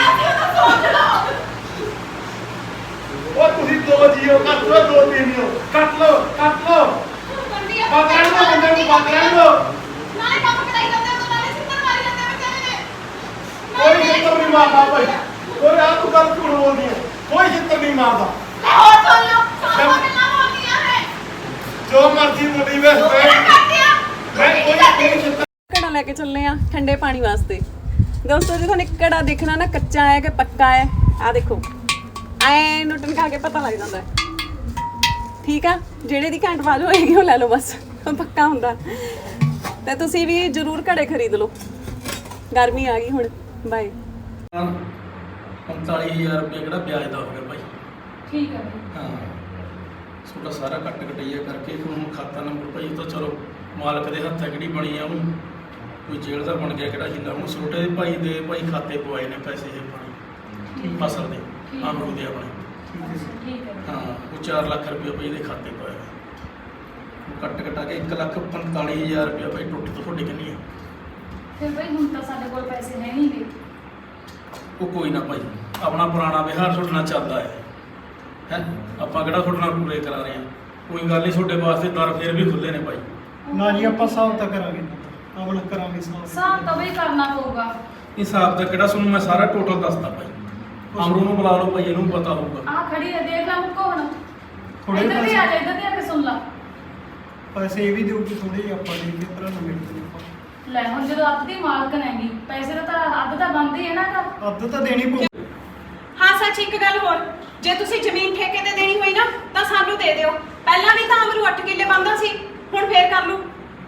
ਉਹ ਤੁਸੀਂ ਦੋ ਜੀਓ ਕੱਟ ਲੋ ਦੋ ਪੀਣੀਓ ਕੱਟ ਲੋ ਬਾਕਰਾਂ ਨੂੰ ਬੰਦੇ ਨੂੰ ਬਾਕਰਾਂ ਨੂੰ
ਨਾਲੇ ਕੰਮ ਕਰਾਈ ਜਾਂਦੇ ਹੋ ਨਾਲੇ ਸਿੱਧਰ ਮਾਰੀ ਜਾਂਦੇ ਵਿਚਾਰੇ ਨੇ।
ਕੋਈ ਜਿੱਤਰ ਨਹੀਂ ਮਾਰਦਾ ਭਾਈ ਕੋਈ ਆ ਤੂੰ ਗੱਲ ਝੂਠ ਬੋਲਦੀ ਹੈ ਕੋਈ ਜਿੱਤਰ ਨਹੀਂ ਮਾਰਦਾ
ਲੈ ਹੋਰ ਸੁਣ ਲਓ ਸੋਨਾ ਗੱਲਾਂ ਬੋਲਦੀਆਂ ਹੈ
ਜੋ ਮਰਜ਼ੀ ਮੁੰਡੀ ਵੇ ਮੈਂ ਕੋਈ ਜਿੱਤਰ
ਘੜਾ ਲੈ ਕੇ ਚੱਲੇ ਆ ਠੰਡੇ ਪਾਣੀ ਵਾਸਤੇ। ਦੋਸਤੋ ਜੀ ਤੁਹਾਨੂੰ ਇੱਕ ਘੜਾ ਦੇਖਣਾ ਨਾ ਕੱਚਾ ਹੈ ਕਿ ਪੱਕਾ ਹੈ ਆ ਦੇਖੋ ਐ ਨੁੱਟਨ ਖਾ ਕੇ ਪਤਾ ਲੱਗ ਜਾਂਦਾ ਹੈ। ਠੀਕ ਆ ਜਿਹੜੇ ਦੀ ਘੰਟ ਬਾਜੂ ਹੋਏਗੀ ਉਹ ਲੈ ਲਓ ਬਸ ਪੱਕਾ ਹੁੰਦਾ। ਤੇ ਤੁਸੀਂ ਵੀ ਜ਼ਰੂਰ ਘੜੇ ਖਰੀਦ ਲਓ ਗਰਮੀ ਆ ਗਈ ਹੁਣ ਬਾਏ।
45000 ਰੁਪਏ ਕਿਹੜਾ ਵਿਆਜ ਦਾ ਹੋ ਗਿਆ ਭਾਈ
ਠੀਕ ਹੈ ਬਈ।
ਹਾਂ ਤੁਹਾਡਾ ਸਾਰਾ ਕੱਟ ਕਟਈਆ ਕਰਕੇ ਫਿਰ ਹੁਣ ਖਾਤਾ ਨੰਬਰ ਭਾਈ ਉਹ ਤਾਂ ਚਲੋ ਮਾਲਕ ਦੇ ਹੱਥਾਂ ਕਿਹੜੀ ਬਣੀ ਆ ਉਹਨੂੰ ਕੋਈ ਜੇਲ੍ਹ ਦਾ ਬਣ ਗਿਆ ਕਿਹੜਾ ਹਿੱਲਾ ਹੁਣ ਛੋਟੇ ਭਾਈ ਦੇ ਭਾਈ ਖਾਤੇ ਪਵਾਏ ਨੇ ਪੈਸੇ ਇਹ ਪਾਣੀ ਫਸਲ ਦੇ ਅਮਰੂਦ ਦੇ ਆਪਣੇ
ਠੀਕ ਹੈ
ਹਾਂ ਉਹ 4 ਲੱਖ ਰੁਪਏ ਭਾਈ ਦੇ ਖਾਤੇ ਪਾਇਆ ਉਹ ਕੱਟ ਕਟਾ ਕੇ 1,45,000 ਰੁਪਏ ਭਾਈ ਟੁੱਟ ਤੋਂ ਤੁਹਾਡੀ ਕਿੰਨੀ ਆ
ਫਿਰ ਬਈ ਹੁਣ ਤਾਂ ਸਾਡੇ ਕੋਲ ਪੈਸੇ ਹੈ ਨਹੀਂ ਗੇ।
ਉਹ ਕੋਈ ਨਾ ਭਾਈ ਆਪਣਾ ਪੁਰਾਣਾ ਵਿਹਾਰ ਤੁਹਾਡੇ ਨਾਲ ਚੱਲਦਾ ਹੈ ਆਪਾਂ ਕਿਹੜਾ ਤੁਹਾਡੇ ਨਾਲ ਪੂਰੇ ਕਰਾ ਰਹੇ ਹਾਂ ਕੋਈ ਗੱਲ ਨਹੀਂ ਤੁਹਾਡੇ ਵਾਸਤੇ ਦਰ ਫੇਰ ਵੀ ਖੁੱਲੇ ਨੇ ਭਾਈ
ਨਾ ਜੀ ਆਪਾਂ ਹਿਸਾਬ ਤਾਂ ਕਰਾਂਗੇ ਆਪਣਾ ਕਰਾਂਗੇ
ਹਿਸਾਬ ਤਾਂ ਬਈ ਕਰਨਾ ਪਊਗਾ।
ਹਿਸਾਬ ਦਾ ਕਿਹੜਾ ਤੁਹਾਨੂੰ ਮੈਂ ਸਾਰਾ ਟੋਟਲ ਦੱਸਦਾ ਭਾਈ ਅਮਰੂ ਨੂੰ ਬੁਲਾ ਲਓ ਭਾਈ ਇਹਨੂੰ ਪਤਾ ਹੋਊਗਾ
ਆ ਖੜੀ ਹੈ ਦੇਖ ਲੈ ਮੁੱਕੋ ਹੁਣ
ਥੋੜੇ
ਇੱਧਰ ਵੀ
ਪੈਸੇ
ਆ ਜਾ ਇੱਧਰ ਵੀ ਆ ਕੇ ਸੁਣ ਲਾ।
ਪੈਸੇ ਇਹ ਵੀ ਦਿਓਗੇ ਥੋੜੇ ਜਿਹੇ ਆਪਾਂ ਦੇ ਕੇ ਭਰਾ ਨੂੰ ਮਿਲ ਜੂਗਾ
ਲੈ ਹੁਣ ਜਦੋਂ ਅੱਧ ਦੀ ਮਾਲਕਣ ਹੈਗੀ ਪੈਸੇ ਦਾ ਤਾਂ ਅੱਧ ਤਾਂ ਬਣਦੀ ਹੈ ਨਾ ਤਾਂ
ਅੱਧ ਤਾਂ ਦੇਣੀ ਪਊ
ਹਾਂ ਸੱਚ ਇੱਕ ਗੱਲ ਹੋਰ, ਜੇ ਤੁਸੀਂ ਜ਼ਮੀਨ ਠੇਕੇ ਤੇ ਦੇਣੀ ਹੋਈ ਨਾ ਤਾਂ ਸਾਨੂੰ ਦੇ ਦਿਓ। ਪਹਿਲਾਂ ਵੀ ਤਾਂ ਅਮਰੂ 8 ਕਿੱਲੇ ਬੰਦਾ ਸੀ, ਹੁਣ ਫੇਰ ਕਰ ਲੂ।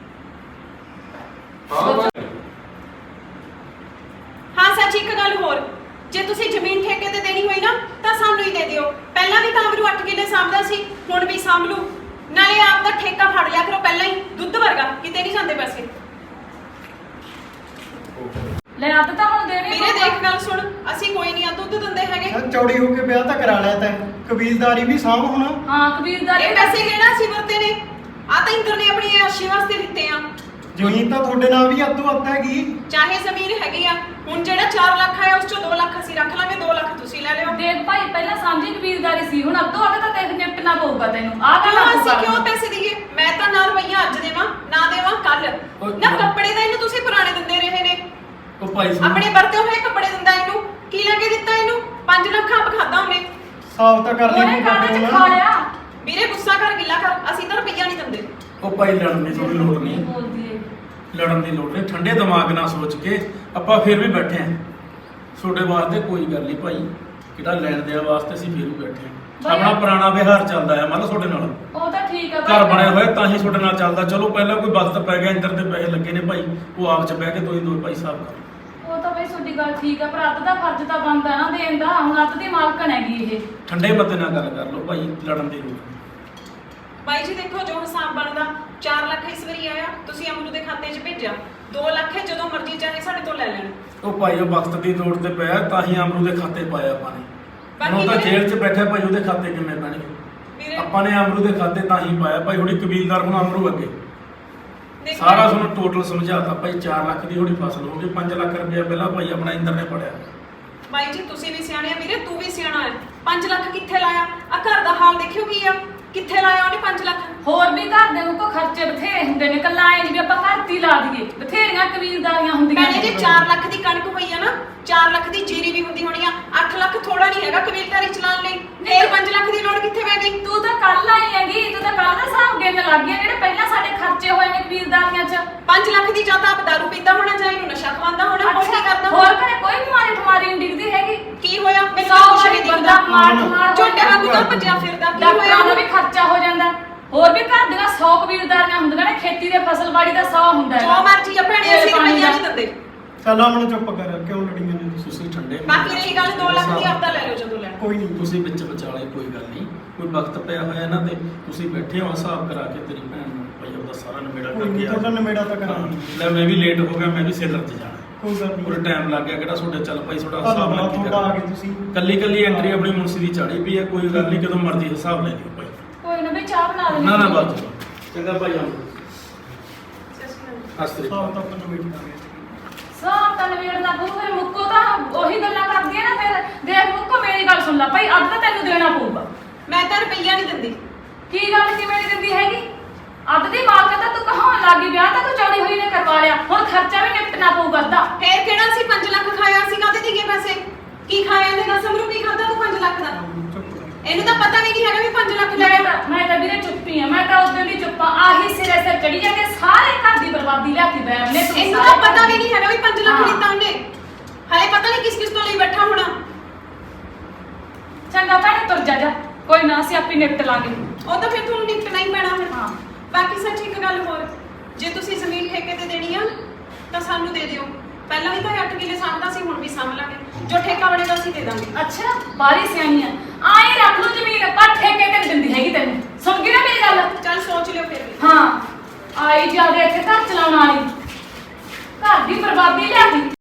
ਹਾਂ ਸੱਚ ਇੱਕ ਗੱਲ ਹੋਰ, ਜੇ ਤੁਸੀਂ ਜ਼ਮੀਨ ਠੇਕੇ ਤੇ ਦੇਣੀ ਹੋਈ ਨਾ ਤਾਂ ਸਾਨੂੰ ਹੀ ਦੇ ਦਿਓ। ਪਹਿਲਾਂ ਵੀ ਤਾਂ ਅਮਰੂ 8 ਕਿੱਲੇ ਸਾਂਭਦਾ ਸੀ, ਹੁਣ ਵੀ ਸਾਂਭ ਲੂ। ਨਾਲੇ ਆਪ ਦਾ ਠੇਕਾ ਫੜ ਲਿਆ ਕਰੋ ਪਹਿਲਾਂ ਹੀ, ਦੁੱਧ ਵਰਗਾ, ਕਿਤੇ ਨਹੀਂ ਜਾਂਦੇ ਪੈਸੇ।
ਲੈ ਅੱਧ ਤਾਂ ਹੁਣ ਦੇਣੀ
ਵੀਰੇ ਦੇਖ ਗੱਲ ਸੁਣ, ਅਸੀਂ ਕੋਈ ਨਹੀਂ ਆ ਦੁੱਧ ਦਿੰਦੇ ਹੈਗੇ।
ਸਰ ਚੌੜੀ ਹੋ ਕੇ ਵਿਆਹ ਤਾਂ ਕਰਾ ਲਿਆ ਤੈਂ, ਕਬੀਲਦਾਰੀ ਵੀ ਸਾਂਭ ਹੁਣ।
ਹਾਂ ਕਬੀਲਦਾਰੀ
ਇਹ ਪੈਸੇ ਕਿਹੜਾ ਅਸੀਂ ਵਰਤੇ ਨੇ? ਆ ਤਾਂ ਇੰਦਰ ਨੇ ਆਪਣੀ ਆਸ਼ੀ ਵਾਸਤੇ ਦਿੱਤੇ ਆ।
ਜ਼ਮੀਨ ਤਾਂ ਤੁਹਾਡੇ ਨਾਲ ਵੀ ਅੱਧੋ ਅੱਧ ਹੈਗੀ।
ਚਾਹੇ ਜ਼ਮੀਨ ਹੈਗੀ ਆ, ਹੁਣ ਜਿਹੜਾ 4 ਲੱਖ ਆਇਆ ਉਸ ਚੋਂ 2 ਲੱਖ ਅਸੀਂ ਰੱਖ ਲਾਂਗੇ, 2 ਲੱਖ ਤੁਸੀਂ ਲੈ ਲਿਓ।
ਦੇਖ ਭਾਈ ਪਹਿਲਾਂ ਸਾਂਝੀ ਕਬੀਲਦਾਰੀ ਸੀ, ਹੁਣ ਅੱਧੋ ਅੱਧ ਤਾਂ ਦੇਖ ਨਿਪਟਣਾ ਪਊਗਾ ਤੈਨੂੰ। ਆਹ
ਕਿਉਂ
ਗੱਲ
ਅਸੀਂ ਕਿਉਂ ਪੈਸੇ ਦਈਏ? ਮੈਂ ਤਾਂ ਨਾ ਰੁਪਈਆ ਅੱਜ ਦੇਵਾਂ ਨਾ ਦੇਵਾਂ ਕੱਲ। ਨਾ ਕੱਪੜੇ ਤਾਂ ਇਹਨੂੰ ਤੁਸੀਂ ਪੁਰਾਣੇ ਦਿੰਦੇ ਰਹੇ ਨੇ,
ਉਹ ਭਾਈ ਸੁਣ
ਆਪਣੇ ਵਰਤੇ ਹੋਏ ਕੱਪੜੇ ਦਿੰਦਾ ਇਹਨੂੰ। ਕੀ ਲੈ ਕੇ ਦਿੱਤਾ ਇਹਨੂੰ? 5 ਲੱਖ ਆਪ ਖਾਦਾ ਉਹਨੇ।
ਹਿਸਾਬ ਤਾਂ ਕਰ
ਉਹਨੇ
ਲਈ
ਕਾਹਦੇ ਚ ਖਾ ਲਿਆ।
ਵੀਰੇ ਗੁੱਸਾ ਕਰ ਗਿੱਲਾ ਕਰ, ਅਸੀਂ ਤਾਂ ਰੁਪਈਆ ਨਹੀਂ ਦਿੰਦੇ।
ਉਹ ਭਾਈ ਲੜਨ ਦੀ ਥੋੜੀ ਲੋੜ ਨਹੀਂ,
ਬੋਲਦੀ ਏ
ਲੜਨ ਦੀ ਲੋੜ ਨਹੀਂ, ਠੰਡੇ ਦਿਮਾਗ ਨਾਲ ਸੋਚ ਕੇ ਆਪਾਂ ਫੇਰ ਵੀ ਬੈਠੇ ਆਂ। ਤੁਹਾਡੇ ਵਾਸਤੇ ਕੋਈ ਗੱਲ ਨਹੀਂ ਭਾਈ, ਕਿਹੜਾ ਲੈਣ ਦੇਣ ਵਾਸਤੇ ਅਸੀਂ ਫੇਰ ਵੀ ਬੈਠੇ ਆਂ।
ਭਾਈ
ਆਪਣਾ ਪੁਰਾਣਾ ਵਿਹਾਰ ਚੱਲਦਾ ਹੈ ਮਤਲਬ ਤੁਹਾਡੇ ਨਾਲ
ਉਹ ਤਾਂ ਠੀਕ ਆ
ਘਰ ਬਣਿਆ ਹੋਇਆ ਤਾਂ ਹੀ ਤੁਹਾਡੇ ਨਾਲ ਚੱਲਦਾ। ਚਲੋ ਪਹਿਲਾਂ ਕੋਈ ਵਕਤ ਪੈ ਗਿਆ, ਇੰਦਰ ਦੇ ਪੈਸੇ ਲੱਗੇ ਨੇ ਭਾਈ, ਉਹ ਆਪ ਚ ਬਹਿ ਕੇ ਦੋ ਭਾਈ ਸਾਹਿਬ ਕਰ।
ਉਹ ਤਾਂ ਬਈ ਤੁਹਾਡੀ ਗੱਲ ਠੀਕ ਆ, ਪਰ ਅੱਧ ਦਾ ਫਰਜ਼ ਤਾਂ ਬਣਦਾ ਨਾ ਦੇਣ ਦਾ। ਹੁਣ ਅੱਧ ਦੀ ਮਾਲਕਣ ਹੈਗੀ ਇਹ।
ਠੰਡੇ ਮੱਤੇ ਨਾਲ ਗੱਲ ਕਰ ਲਓ ਭਾਈ, ਲੜਨ ਦੀ ਲੋੜ ਨਹੀਂ।
ਬਾਈ ਜੀ ਦੇਖੋ ਜੋ ਹਿਸਾਬ ਬਣਦਾ, 4 ਲੱਖ ਇਸ ਵਾਰੀ ਆਇਆ, ਤੁਸੀਂ ਅਮਰੂ ਦੇ ਖਾਤੇ 'ਚ ਭੇਜਿਆ। 2 ਲੱਖ ਹੈ, ਜਦੋਂ ਮਰਜ਼ੀ ਚਾਹੇ ਸਾਡੇ ਤੋਂ ਲੈ ਲੈਣ।
ਉਹ ਭਾਈ ਉਹ ਵਕਤ ਦੀ ਲੋੜ ਤੇ ਪਿਆ ਤਾਂ ਹੀ ਅਮਰੂ ਦੇ ਖਾਤੇ ਪਾਇਆ ਆਪਾਂ ਨੇ।
ਬਾਕੀ
ਉਹ ਤਾਂ
ਵੀਰੇ-
ਜੇਲ੍ਹ 'ਚ ਬੈਠਾ ਭਾਈ, ਉਹਦੇ ਖਾਤੇ ਕਿਵੇਂ ਪੈਣਗੇ?
ਵੀਰੇ
ਆਪਾਂ ਨੇ ਅਮਰੂ ਦੇ ਖਾਤੇ ਤਾਂ ਹੀ ਪਾਇਆ ਭਾਈ। ਹੁਣੀ ਕਬੀਲਦਾਰ ਹੁਣ ਅਮਰੂ ਅੱਗੇ
ਦੇਖੋ
ਸਾਰਾ ਤੁਹਾਨੂੰ ਟੋਟਲ ਸਮਝਾਤਾ ਭਾਈ। 4 ਲੱਖ ਦੀ ਥੋੜੀ ਫਸਲ ਹੋ ਗਈ, 5 ਲੱਖ ਰੁਪਏ ਪਹਿਲਾਂ ਭਾਈ ਆਪਣਾ ਇੰਦਰ ਨੇ ਪੜਿਆ।
ਬਾਈ ਜੀ ਤੁਸੀਂ ਵੀ ਸਿਆਣੇ ਆ ਵੀਰੇ, ਤੂੰ ਵੀ ਸਿਆਣਾ ਹੈ। 5 ਲੱਖ ਕਿੱਥੇ ਲਾਇਆ? ਆ ਘਰ ਦਾ ਹਾਲ ਦੇਖਿਓ ਕੀ ਆ, ਕਿੱਥੇ ਲਾਇਆ ਉਹਨੇ 5 ਲੱਖ?
ਹੋਰ ਵੀ ਘਰ ਦੇ ਨੂੰ ਕੋ ਖਰਚੇ ਬਥੇਰੇ ਹੁੰਦੇ ਨੇ, ਕੱਲਾ ਐ ਨਹੀਂ ਵੀ ਆਪਾਂ ਘਰ ਦੀ ਲਾ ਦਈਏ। ਬਥੇਰੀਆਂ ਕਬੀਲਦਾਰੀਆਂ ਹੁੰਦੀਆਂ
ਭੈਣੇ ਜੇ 4 ਲੱਖ ਦੀ ਕਣਕ ਹੋਈ ਆ ਨਾ, 4 ਲੱਖ ਦੀ ਜੀਰੀ ਵੀ ਹੁੰਦੀ ਹੋਣੀ ਆ। 8 ਲੱਖ ਥੋੜਾ ਨਹੀਂ ਹੈਗਾ ਕਬੀਲਦਾਰੀ ਚਲਾਉਣ ਲਈ। ਫੇਰ 5 ਲੱਖ ਦੀ ਲੋੜ ਕਿੱਥੇ ਪੈ ਗਈ?
ਤੂੰ ਤਾਂ ਕੱਲ ਆਈ ਹੈਗੀ, ਤੂੰ ਤਾਂ ਕੱਲ ਦਾ ਹਿਸਾਬ ਗਿਣ ਲੱਗ ਗਿਆ ਜਿਹੜੇ ਪਹਿਲਾਂ ਸਾਡੇ ਖਰਚੇ ਹੋਏ ਨੇ ਕਬੀਲਦਾਰੀਆਂ 'ਚ।
5 ਲੱਖ ਦੀ ਜਾਂ ਤਾਂ ਆਪ ਦਾਰੂ ਪੀਂਦਾ ਹੋਣਾ, ਜਾਂ ਇਹਨੂੰ ਨਸ਼ਾ ਖਵਾਉਂਦਾ ਹੋਣਾ, ਹੋਰ ਕੀ ਕਰਦਾ
ਹੋਰ
ਹੋਣਾ?
ਘਰੇ ਕੋਈ ਬਿਮਾਰੀ ਠਮਾਰੀ ਨਹੀਂ ਡਿੱਗਦੀ ਹੈਗੀ।
ਕੀ ਹੋਇਆ? ਮੈਨੂੰ
ਸੌ
ਤਾਂ ਕੁਛ
ਵਾਰੀ
ਨਹੀਂ
ਬੰਦਾ
ਦਿਖਦਾ।
ਮਾਰ
ਝੋਟੇ ਵਾਂਗੂ ਤਾਂ ਭੱਜਿਆ ਫਿਰਦਾ, ਕੀ ਹੋਇਆ
ਡਾਕਟਰਾਂ ਦਾ
ਉਹਨੂੰ?
ਵੀ ਖਰਚਾ ਹੋ ਜਾਂਦਾ। ਹੋਰ ਵੀ ਘਰ ਦੀਆਂ 100 ਕਬੀਲਦਾਰੀਆਂ ਹੁੰਦੀਆਂ ਨੇ, ਖੇਤੀ ਦੇ ਫਸਲਬਾੜੀ ਦਾ 100 ਹੁੰਦਾ
ਜੋ ਮਰਜ਼ੀ ਆ ਭੈਣੇ, ਅਸੀਂ ਰੁਪਈਆ ਨਹੀਂ ਦਿੰਦੇ।
ਚੱਲ ਹੁਣ ਚੁੱਪ ਕਰ, ਕਿਉਂ ਲੜੀਆਂ ਨੇ ਤੁਸੀਂ?
ਤੁਸੀਂ ਠੰਡੇ
ਬਾਕੀ ਰਹੀ ਗੱਲ 2 ਲੱਖ ਦੀ ਆਪਦਾ ਲੈ ਲਓ ਜਦੋਂ ਲੈਣਾ।
ਕੋਈ ਨਹੀਂ
ਤੁਸੀਂ ਵਿੱਚ ਵਿਚਾਲੇ ਕੋਈ ਗੱਲ ਨਹੀਂ, ਕੋਈ ਵਕਤ ਪਿਆ ਹੋਇਆ ਇਹਨਾਂ ਤੇ ਤੁਸੀਂ ਬੈਠੇ ਹੋ ਹਿਸਾਬ ਕਰਾ ਕੇ ਤੇਰੀ ਭੈਣ ਨੂੰ ਭਾਈ ਉਹਦਾ ਸਾਰਾ ਨਿਬੇੜਾ
ਕੋਈ ਨਹੀਂ,
ਕਰਕੇ
ਤੁਹਾਡਾ ਨਿਬੇੜਾ ਤਾਂ ਕਰਾਂਗੇ।
ਹਾਂ, ਲੈ ਮੈਂ ਵੀ ਲੇਟ ਹੋ ਗਿਆ, ਮੈਂ ਵੀ ਸੇਲਰ 'ਚ ਜਾਣਾ।
ਕੋਈ ਗੱਲ
ਪੂਰੇ
ਨਹੀਂ,
ਟਾਈਮ ਲੱਗ ਗਿਆ, ਕਿਹੜਾ ਤੁਹਾਡੇ ਚੱਲ ਭਾਈ ਤੁਹਾਡਾ ਹਿਸਾਬ
ਧੰਨਵਾਦ
ਨਾਲ
ਤੁਹਾਡਾ, ਆ ਗਏ ਤੁਸੀਂ।
ਕੱਲੀ ਕੱਲੀ ਐਂਟਰੀ ਆਪਣੀ ਮੁਨਸੀ ਦੀ ਚਾੜੀ ਵੀ ਹੈ, ਕੋਈ ਗੱਲ ਨਹੀਂ, ਜਦੋਂ ਮਰਜ਼ੀ ਹਿਸਾਬ ਲੈ ਲਿਓ ਭਾਈ।
ਕੋਈ ਨਾ ਵੀ ਚਾਹ ਬਣਾ ਲੈਣੀ।
ਨਾ ਨਾ ਬਾਤ ਚੰਗਾ ਭਾਈ ਆਉਂ ਹਸਤਰੀ
ਹਿਸਾਬ ਤਾਂ ਆਪਾਂ ਨਿਬੇੜ ਦਾਂਗੇ।
ਸਾਹ ਤਾਂ ਨਵੇੜਨਾ ਪਊ, ਫਿਰ ਮੁੱਕੋ ਤਾਂ ਉਹੀ ਗੱਲਾਂ ਕਰਦੀ ਹੈ ਨਾ। ਫਿਰ ਦੇਖ ਮੁੱਕੋ ਮੇਰੀ ਗੱਲ ਸੁਣ ਲੈ ਭਾਈ, ਅੱਧ ਤਾਂ ਤੈਨੂੰ ਦੇਣਾ ਪਊਗਾ।
ਮੈਂ ਤਾਂ ਰੁਪਈਆ ਨਹੀਂ ਦਿੰਦੀ।
ਕੀ ਗੱਲ ਕਿਵੇਂ ਨਹੀਂ ਦਿੰਦੀ ਹੈਗੀ? ਅੱਧ ਦੀ ਮਾਲਕ ਤਾਂ ਤੂੰ ਕਹਾਉਣ ਲੱਗੀ, ਵਿਆਹ ਤਾਂ ਤੂੰ ਚੌੜੀ ਹੋਈ ਨੇ ਕਰਵਾ ਲਿਆ, ਹੁਣ ਖਰਚਾ ਵੀ ਨਿਪਟਣਾ ਪਊਗਾ ਅੱਧਾ।
ਫੇਰ ਕਿਹੜਾ ਸੀ 5 ਲੱਖ ਖਾਇਆ ਸੀ? ਕਾਹਦੇ ਦੀਗੇ ਪੈਸੇ? ਕੀ ਖਾਇਆ ਇਹਨੇ? ਦੱਸ ਅਮਰੂ, ਕੀ ਖਾਦਾ ਤੂੰ 5 ਲੱਖ ਦਾ?
ਚੁੱਪ ਕਰ।
ਇਹਨੂੰ ਤਾਂ ਪਤਾ ਵੀ ਨਹੀਂ ਹੈਗਾ ਵੀ 5 ਲੱਖ ਲੈ ਆਇਆ।
ਮੈਂ ਤਾਂ ਵੀਰੇ ਚੁੱਪੀ ਆ, ਮੈਂ ਤਾਂ ਉਸ ਦਿਨ ਦੀ ਚੁੱਪਾਂ। ਆਹੀ ਸਿਰੇ ਸਿਰ ਚੜੀ ਜਾਂਦੇ, ਸਾਰੇ ਘਰ ਦੀ ਬਰਬਾਦੀ ਲਿਆਤੀ ਬੈਮ ਨੇ। ਤੂੰ
ਇਹਨੂੰ ਤਾਂ ਪਤਾ ਵੀ ਨਹੀਂ ਹੈਗਾ ਵੀ 5 ਲੱਖ ਲਿੱਤਾ ਉਹਨੇ। ਹਲੇ ਪਤਾ ਨਹੀਂ ਕਿਸ ਤੋਂ ਲਈ ਬੈਠਾ ਹੋਣਾ।
ਚੰਗਾ ਭੈਣੇ ਤੁਰ ਜਾ, ਕੋਈ ਨਾ ਅਸੀਂ ਆਪੇ ਨਿਪਟ ਲਾਂਗੇ।
ਉਹ ਤਾਂ ਫਿਰ ਤੁਹਾਨੂੰ ਨਿਕਲਣਾ ਹੀ ਪੈਣਾ ਫਿਰ।
ਹਾਂ।
ਬਾਕੀ ਸੱਚ ਇੱਕ ਗੱਲ ਹੋਰ, ਜੇ ਤੁਸੀਂ ਜ਼ਮੀਨ ਠੇਕੇ ਤੇ ਦੇਣੀ ਆ ਤਾਂ ਸਾਨੂੰ ਦੇ ਦਿਓ। ਪਹਿਲਾਂ ਵੀ ਤਾਂ 8 ਕਿੱਲੇ ਸਾਂਭਦਾ ਸੀ, ਹੁਣ ਵੀ ਸਾਂਭ ਲਾਂਗੇ। ਜੋ ਠੇਕਾ ਬਣੇਗਾ ਅਸੀਂ ਦੇ ਦਾਂਗੇ।
ਅੱਛਾ ਬਾਰੀ ਸਿਆਣੀ ਆ। ਆਏ ਰੱਖ ਲਓ ਜ਼ਮੀਨ ਪਰ ਠੇਕੇ ਤੇ ਨੀ ਦਿੰਦੀ ਹੈਗੀ ਤੈਨੂੰ ਸੁਣ ਗਈ ਨਾ ਮੇਰੀ ਗੱਲ
ਚੱਲ ਸੋਚ ਲਿਓ ਫਿਰ ਵੀ।
ਹਾਂ ਆਈ ਜਾਂਦੇ ਇੱਥੇ ਘਰ ਚਲਾਉਣ ਵਾਲੀ ਘਰ ਦੀ ਬਰਬਾਦੀ ਲਿਆਦੀ